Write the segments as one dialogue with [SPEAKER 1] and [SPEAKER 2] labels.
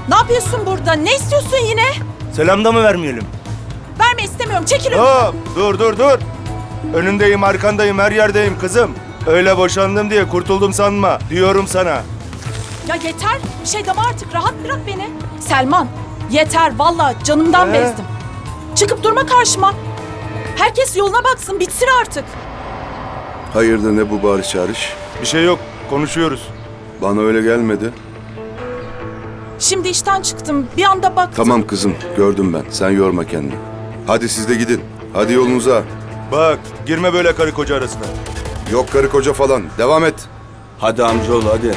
[SPEAKER 1] Ne yapıyorsun burada? Ne istiyorsun yine?
[SPEAKER 2] Selam da mı vermeyelim?
[SPEAKER 1] Verme istemiyorum. Çekil önümden.
[SPEAKER 2] Hop, dur. Önündeyim, arkandayım, her yerdeyim kızım. Öyle boşandım diye kurtuldum sanma. Diyorum sana.
[SPEAKER 1] Ya yeter. Bir şey deme artık. Rahat bırak beni. Selman, yeter. Vallahi canımdan bezdim. Çıkıp durma karşıma. Herkes yoluna baksın. Bitsin artık.
[SPEAKER 3] Hayırdır ne bu bağırış çağırış?
[SPEAKER 2] Bir şey yok, konuşuyoruz.
[SPEAKER 3] Bana öyle gelmedi.
[SPEAKER 1] Şimdi işten çıktım. Bir anda baktım.
[SPEAKER 3] Tamam kızım, gördüm ben. Sen yorma kendini. Hadi siz de gidin. Hadi yolunuza.
[SPEAKER 2] Bak, girme böyle karı koca arasına.
[SPEAKER 3] Yok karı koca falan. Devam et.
[SPEAKER 4] Hadi amcaoğlu hadi.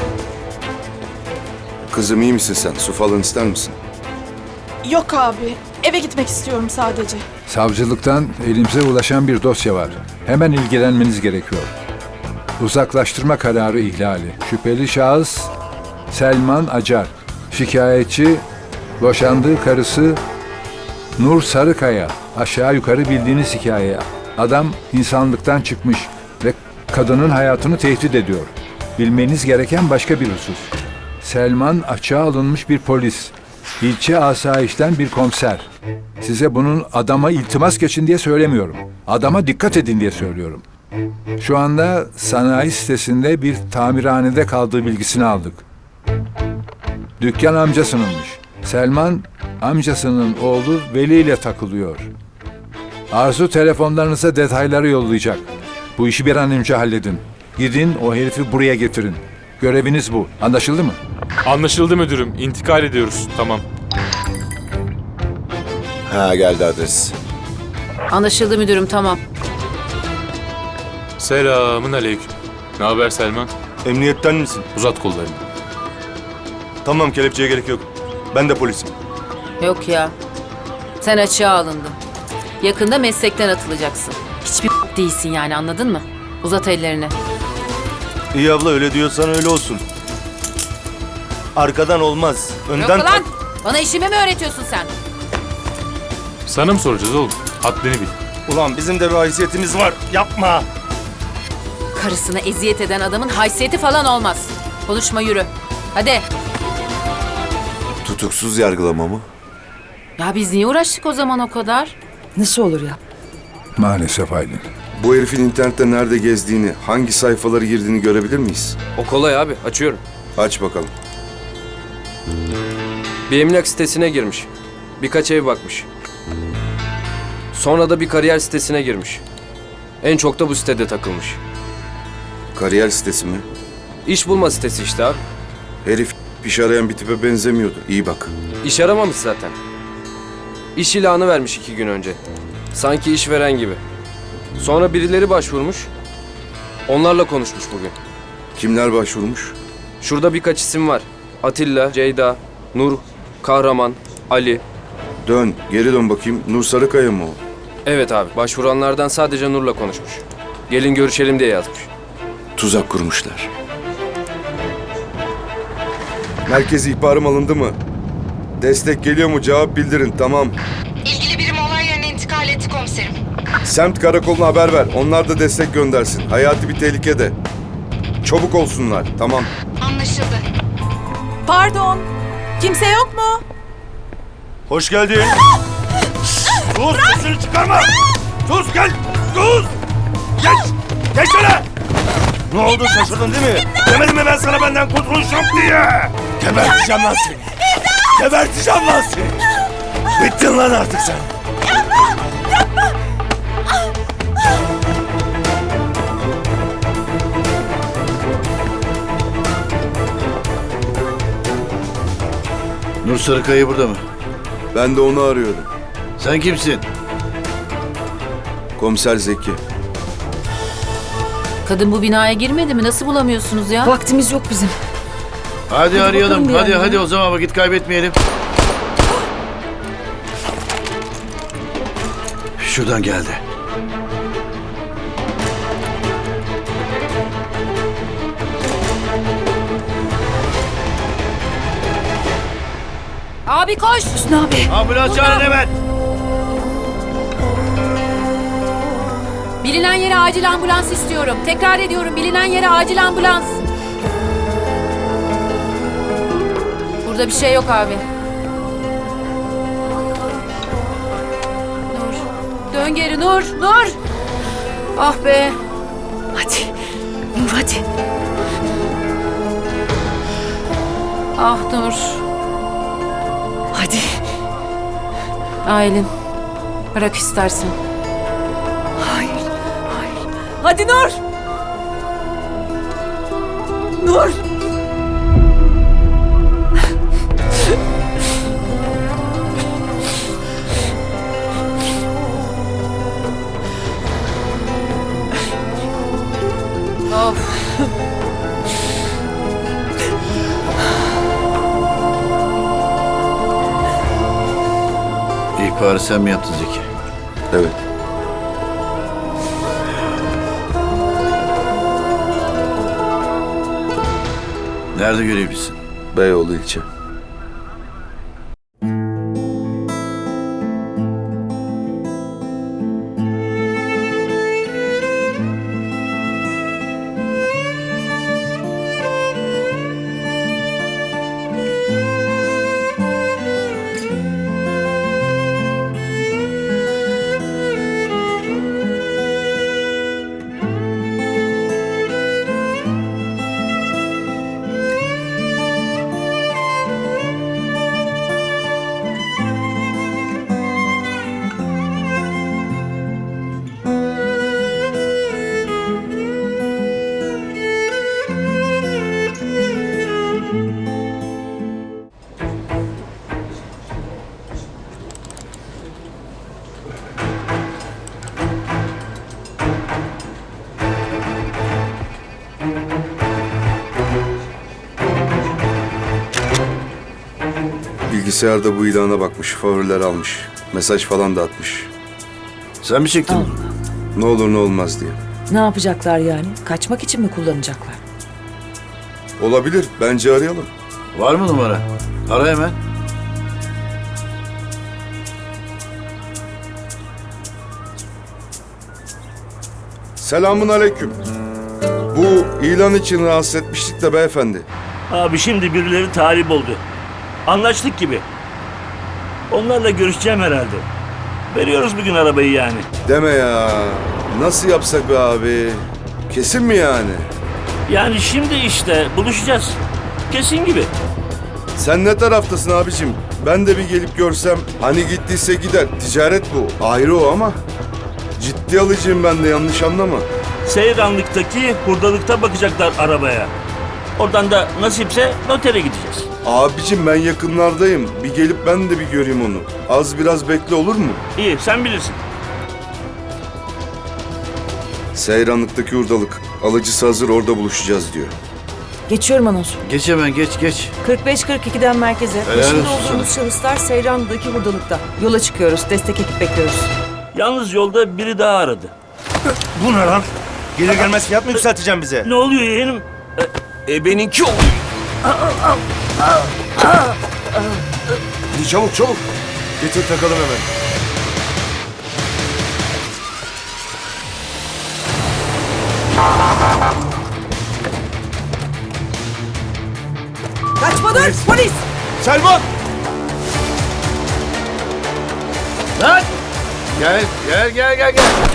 [SPEAKER 3] Kızım iyi misin sen? Su falan ister misin?
[SPEAKER 1] Yok abi. Eve gitmek istiyorum sadece.
[SPEAKER 5] Savcılıktan elimize ulaşan bir dosya var. Hemen ilgilenmeniz gerekiyor. Uzaklaştırma kararı ihlali. Şüpheli şahıs Selman Acar. Şikayetçi boşandığı karısı Nur Sarıkaya. Aşağı yukarı bildiğiniz hikaye. Adam insanlıktan çıkmış ve kadının hayatını tehdit ediyor. Bilmeniz gereken başka bir husus. Selman açığa alınmış bir polis. İlçe asayişten bir komiser. Size bunun adama iltimas geçin diye söylemiyorum. Adama dikkat edin diye söylüyorum. Şu anda sanayi sitesinde bir tamirhanede kaldığı bilgisini aldık. Dükkan amcasınınmış. Selman amcasının oğlu Veli ile takılıyor. Arzu telefonlarınıza detayları yollayacak. Bu işi bir an önce halledin. Gidin o herifi buraya getirin. Göreviniz bu. Anlaşıldı mı?
[SPEAKER 6] Anlaşıldı müdürüm. İntikal ediyoruz. Tamam.
[SPEAKER 3] Ha geldi adres.
[SPEAKER 7] Anlaşıldı müdürüm, tamam.
[SPEAKER 6] Selamın aleyküm. Ne haber Selman?
[SPEAKER 2] Emniyetten misin?
[SPEAKER 6] Uzat kollarını.
[SPEAKER 2] Tamam, kelepçeye gerek yok. Ben de polisim.
[SPEAKER 7] Yok ya. Sen açığa alındın. Yakında meslekten atılacaksın. Hiçbir değilsin yani, anladın mı? Uzat ellerini.
[SPEAKER 2] İyi abla, öyle diyorsan öyle olsun. Arkadan olmaz. Önden...
[SPEAKER 7] Yok lan! Bana işimi mi öğretiyorsun sen?
[SPEAKER 6] Sana mı soracağız oğlum? Haddini bil.
[SPEAKER 2] Ulan bizim de bir haysiyetimiz var. Yapma.
[SPEAKER 7] Karısına eziyet eden adamın haysiyeti falan olmaz. Konuşma, yürü. Hadi.
[SPEAKER 3] Tutuksuz yargılama mı?
[SPEAKER 7] Ya biz niye uğraştık o zaman o kadar?
[SPEAKER 8] Nasıl olur ya?
[SPEAKER 5] Maalesef Aylin.
[SPEAKER 3] Bu herifin internette nerede gezdiğini, hangi sayfaları girdiğini görebilir miyiz?
[SPEAKER 9] O kolay abi, açıyorum.
[SPEAKER 3] Aç bakalım.
[SPEAKER 9] Bir emlak sitesine girmiş. Birkaç ev bakmış. Sonra da bir kariyer sitesine girmiş. En çok da bu sitede takılmış.
[SPEAKER 3] Kariyer sitesi mi?
[SPEAKER 9] İş bulma sitesi işte abi.
[SPEAKER 3] Herif iş arayan bir tipe benzemiyordu. İyi bak.
[SPEAKER 9] İş aramamış zaten. İş ilanı vermiş 2 gün önce. Sanki işveren gibi. Sonra birileri başvurmuş. Onlarla konuşmuş bugün.
[SPEAKER 3] Kimler başvurmuş?
[SPEAKER 9] Şurada birkaç isim var. Atilla, Ceyda, Nur, Kahraman, Ali.
[SPEAKER 3] Geri dön bakayım. Nur Sarıkaya mı o?
[SPEAKER 9] Evet abi, başvuranlardan sadece Nur'la konuşmuş. Gelin görüşelim diye yazmış.
[SPEAKER 3] Tuzak kurmuşlar. Merkez ihbarım alındı mı? Destek geliyor mu? Cevap bildirin. Tamam.
[SPEAKER 10] İlgili birim olay yerine intikal etti komiserim.
[SPEAKER 3] Semt karakoluna haber ver. Onlar da destek göndersin. Hayati bir tehlikede. Çabuk olsunlar. Tamam.
[SPEAKER 10] Anlaşıldı.
[SPEAKER 1] Pardon. Kimse yok mu?
[SPEAKER 2] Hoş geldin. Sus, sesini çıkarma. Sus, gel. Sus. Geç şöyle. Ne oldu, şaşırdın değil mi? Demedim mi ben sana benden kurtuluş yok diye? Geberteceğim lan seni. Geberteceğim lan seni. Bittin lan artık sen.
[SPEAKER 4] Nur Sarıkaya burada mı?
[SPEAKER 3] Ben de onu arıyorum.
[SPEAKER 4] Sen kimsin?
[SPEAKER 3] Komiser Zeki.
[SPEAKER 7] Kadın bu binaya girmedi mi? Nasıl bulamıyorsunuz ya?
[SPEAKER 8] Vaktimiz yok bizim.
[SPEAKER 4] Hadi arayalım.
[SPEAKER 8] bakalım bir
[SPEAKER 4] Hadi
[SPEAKER 8] yani.
[SPEAKER 4] o zaman vakit kaybetmeyelim. Şuradan geldi.
[SPEAKER 7] Abi koş!
[SPEAKER 8] Hüsnü abi.
[SPEAKER 4] Ambulans çağırın hemen.
[SPEAKER 7] Bilinen yere acil ambulans istiyorum. Tekrar ediyorum, bilinen yere acil ambulans. Burada bir şey yok abi. Dön geri Nur. Nur. Ah be.
[SPEAKER 1] Hadi. Nur hadi.
[SPEAKER 7] Ah Nur.
[SPEAKER 1] Hadi.
[SPEAKER 7] Aylin. Bırak istersen.
[SPEAKER 1] Hayır. Hayır. Hadi Nur. Nur.
[SPEAKER 7] Of.
[SPEAKER 4] İhbarı sen mi yaptın Zeki?
[SPEAKER 3] Evet.
[SPEAKER 4] Nerede görevlisin?
[SPEAKER 3] Beyoğlu ilçe. Bilgisayarda bu ilana bakmış, favoriler almış. Mesaj falan da atmış.
[SPEAKER 4] Sen mi çektin?
[SPEAKER 3] Ne olur ne olmaz diye.
[SPEAKER 8] Ne yapacaklar yani? Kaçmak için mi kullanacaklar?
[SPEAKER 3] Olabilir, bence arayalım.
[SPEAKER 4] Var mı numara? Ara hemen.
[SPEAKER 3] Selamun aleyküm. Bu ilan için rahatsız etmiştik de beyefendi.
[SPEAKER 11] Abi şimdi birileri talip oldu. Anlaştık gibi. Onlarla görüşeceğim herhalde. Veriyoruz bugün arabayı yani.
[SPEAKER 3] Deme ya. Nasıl yapsak be abi? Kesin mi yani?
[SPEAKER 11] Yani şimdi işte buluşacağız. Kesin gibi.
[SPEAKER 3] Sen ne taraftasın abicim? Ben de bir gelip görsem, hani gittiyse gider. Ticaret bu. Ayrı o ama. Ciddi alıcıyım ben de, yanlış anlama.
[SPEAKER 11] Seyranlık'taki hurdalıkta bakacaklar arabaya. Oradan da nasipse notere gideceğiz.
[SPEAKER 3] Abicim ben yakınlardayım. Bir gelip ben de bir göreyim onu. Az biraz bekle, olur mu?
[SPEAKER 11] İyi sen bilirsin.
[SPEAKER 3] Seyranlık'taki hurdalık. Alıcısı hazır, orada buluşacağız diyor.
[SPEAKER 8] Geçiyorum anons.
[SPEAKER 4] Geç hemen geç.
[SPEAKER 8] 45-42'den merkeze.
[SPEAKER 4] Helal
[SPEAKER 8] Peşinde
[SPEAKER 4] olsun
[SPEAKER 8] olduğumuz şahıslar Seyranlı'daki hurdalıkta. Yola çıkıyoruz. Destek ekip bekliyoruz.
[SPEAKER 11] Yalnız yolda biri daha aradı.
[SPEAKER 2] Bu ne lan? Gelir gelmez fiyat mı yükselteceksin bize?
[SPEAKER 11] Ne oluyor yeğenim?
[SPEAKER 9] Benimki oluyor.
[SPEAKER 2] Hadi çabuk çabuk. Getir takalım hemen.
[SPEAKER 8] Kaçma dur! Polis!
[SPEAKER 2] Selman!
[SPEAKER 4] Lan! Gel.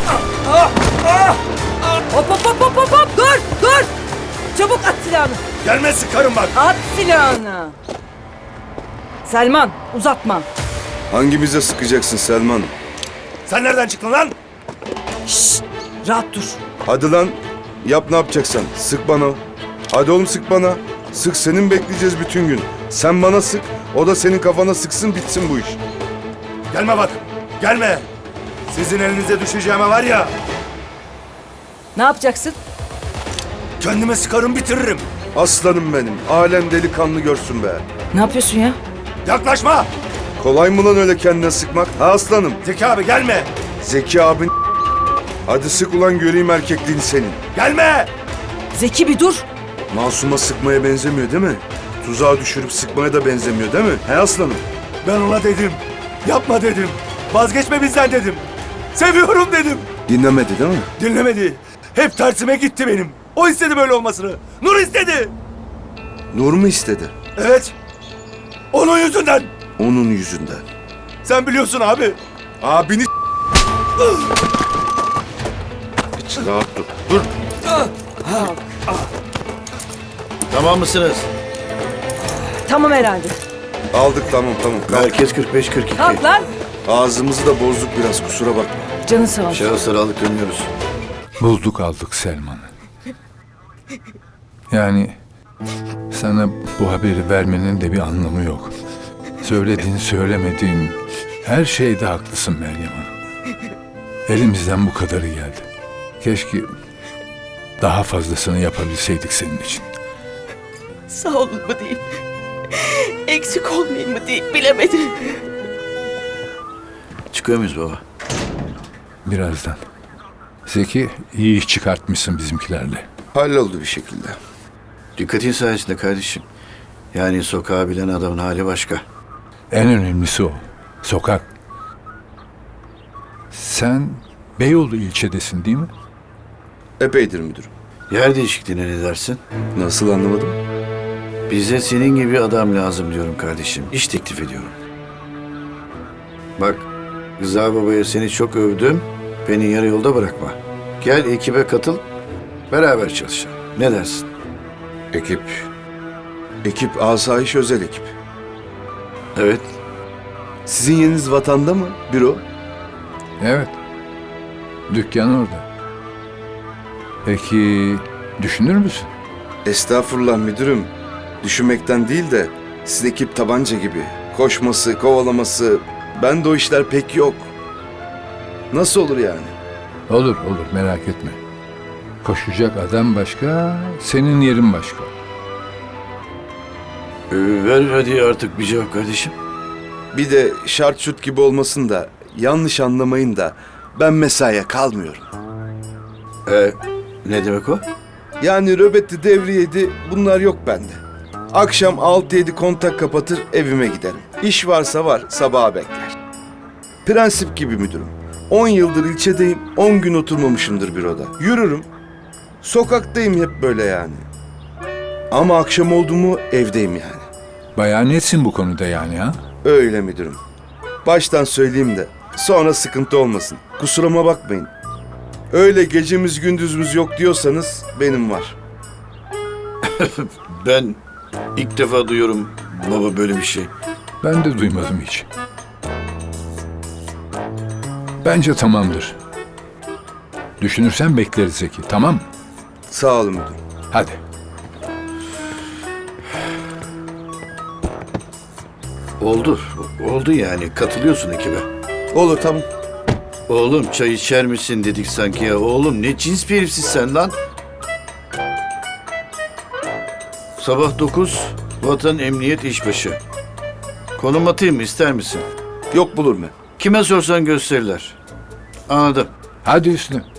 [SPEAKER 8] Hop! Dur! Çabuk at silahını!
[SPEAKER 2] Gelme sıkarım bak.
[SPEAKER 8] At silahını! Selman, uzatma.
[SPEAKER 3] Hangimize sıkacaksın Selman?
[SPEAKER 2] Sen nereden çıktın lan?
[SPEAKER 8] Rahat dur.
[SPEAKER 3] Hadi lan. Yap ne yapacaksan. Sık bana. Hadi oğlum sık bana. Sık, senin bekleyeceğiz bütün gün. Sen bana sık, o da senin kafana sıksın, bitsin bu iş.
[SPEAKER 2] Gelme bak. Gelme. Sizin elinize düşeceğime var ya.
[SPEAKER 8] Ne yapacaksın?
[SPEAKER 2] Kendime sıkarım bitiririm.
[SPEAKER 3] Aslanım benim. Alem delikanlı görsün be.
[SPEAKER 8] Ne yapıyorsun ya?
[SPEAKER 2] Yaklaşma.
[SPEAKER 3] Kolay mı lan öyle kendine sıkmak? Ha aslanım.
[SPEAKER 2] Zeki abi gelme.
[SPEAKER 3] Zeki abin. Hadi sık ulan, göreyim erkekliğini senin.
[SPEAKER 2] Gelme.
[SPEAKER 8] Zeki bir dur.
[SPEAKER 3] Masuma sıkmaya benzemiyor değil mi? Tuzağa düşürüp sıkmaya da benzemiyor değil mi? He aslanım?
[SPEAKER 2] Ben ona dedim. Yapma dedim. Vazgeçme bizden dedim. Seviyorum dedim.
[SPEAKER 3] Dinlemedi değil mi?
[SPEAKER 2] Dinlemedi. Hep tersime gitti benim. O istedi böyle olmasını. Nur istedi.
[SPEAKER 3] Nur mu istedi?
[SPEAKER 2] Evet. Onun yüzünden.
[SPEAKER 3] Onun yüzünden.
[SPEAKER 2] Sen biliyorsun abi.
[SPEAKER 3] Abini Rahat dur. Dur.
[SPEAKER 4] Tamam mısınız?
[SPEAKER 8] Tamam herhalde.
[SPEAKER 3] Aldık tamam. Kalk.
[SPEAKER 4] Merkez 45-42.
[SPEAKER 8] Kalk lan.
[SPEAKER 3] Ağzımızı da bozduk biraz kusura bakma.
[SPEAKER 8] Canı sağ olsun.
[SPEAKER 4] Şahısları aldık dönüyoruz.
[SPEAKER 5] Bulduk aldık Selman'ı. Yani sana bu haberi vermenin de bir anlamı yok. Söylediğin, söylemediğin her şeyde haklısın Meryem Hanım. Elimizden bu kadarı geldi. Keşke daha fazlasını yapabilseydik senin için.
[SPEAKER 8] Sağ olun mu diyeyim. Eksik olmayayım mı diyeyim bilemedim.
[SPEAKER 4] Çıkıyor muyuz baba?
[SPEAKER 5] Birazdan. Zeki, iyi iş çıkartmışsın bizimkilerle.
[SPEAKER 3] Halloldu bir şekilde.
[SPEAKER 4] Dikkatin sayesinde kardeşim. Yani sokağı bilen adamın hali başka.
[SPEAKER 5] En önemlisi o. Sokak. Sen Beyoğlu ilçedesin değil mi?
[SPEAKER 3] Epeydir müdürüm.
[SPEAKER 4] Yer değişikliğine ne dersin?
[SPEAKER 3] Nasıl anlamadım?
[SPEAKER 4] Bize senin gibi adam lazım diyorum kardeşim. İş teklif ediyorum. Bak, Rıza Baba'ya seni çok övdüm. Beni yarı yolda bırakma. Gel ekibe katıl, beraber çalışalım. Ne dersin?
[SPEAKER 3] Ekip asayiş özel ekip.
[SPEAKER 4] Evet.
[SPEAKER 3] Sizin yeriniz vatanda mı? Büro?
[SPEAKER 5] Evet. Dükkan orada. Peki düşünür müsün?
[SPEAKER 3] Estağfurullah müdürüm. Düşünmekten değil de sizin ekip tabanca gibi. Koşması, kovalaması. Ben de o işler pek yok. Nasıl olur yani?
[SPEAKER 5] Olur merak etme. Koşacak adam başka, senin yerin başka.
[SPEAKER 4] Ver hadi artık bir cevap kardeşim.
[SPEAKER 3] Bir de şart şut gibi olmasın da yanlış anlamayın da ben mesaiye kalmıyorum.
[SPEAKER 4] Ne demek o?
[SPEAKER 3] Yani röbetti, devriyeydi bunlar yok bende. Akşam 6-7 kontak kapatır evime giderim. İş varsa var sabaha bekler. Prensip gibi müdürüm. 10 yıldır ilçedeyim, 10 gün oturmamışımdır büroda. Yürürüm. Sokaktayım hep böyle yani. Ama akşam oldu mu evdeyim yani.
[SPEAKER 5] Bayağı netsin bu konuda yani ha?
[SPEAKER 3] Öyle müdürüm. Baştan söyleyeyim de sonra sıkıntı olmasın. Kusuruma bakmayın. Öyle gecemiz gündüzümüz yok diyorsanız benim var.
[SPEAKER 4] Ben ilk defa duyuyorum baba böyle bir şey.
[SPEAKER 5] Ben de duymadım hiç. Bence tamamdır. Düşünürsen bekleriz Zeki, tamam mı?
[SPEAKER 3] Sağ olun müdürüm.
[SPEAKER 5] Hadi.
[SPEAKER 4] Oldu yani katılıyorsun ekibe.
[SPEAKER 3] Olur tamam.
[SPEAKER 4] Oğlum çay içer misin dedik sanki ya. Oğlum ne cins bir herifsin sen lan. Sabah 9 Vatan Emniyet İşbaşı. Konum atayım mı ister misin?
[SPEAKER 3] Yok bulur mu?
[SPEAKER 4] Kime sorsan gösterirler. Anladım.
[SPEAKER 5] Hadi üstüne.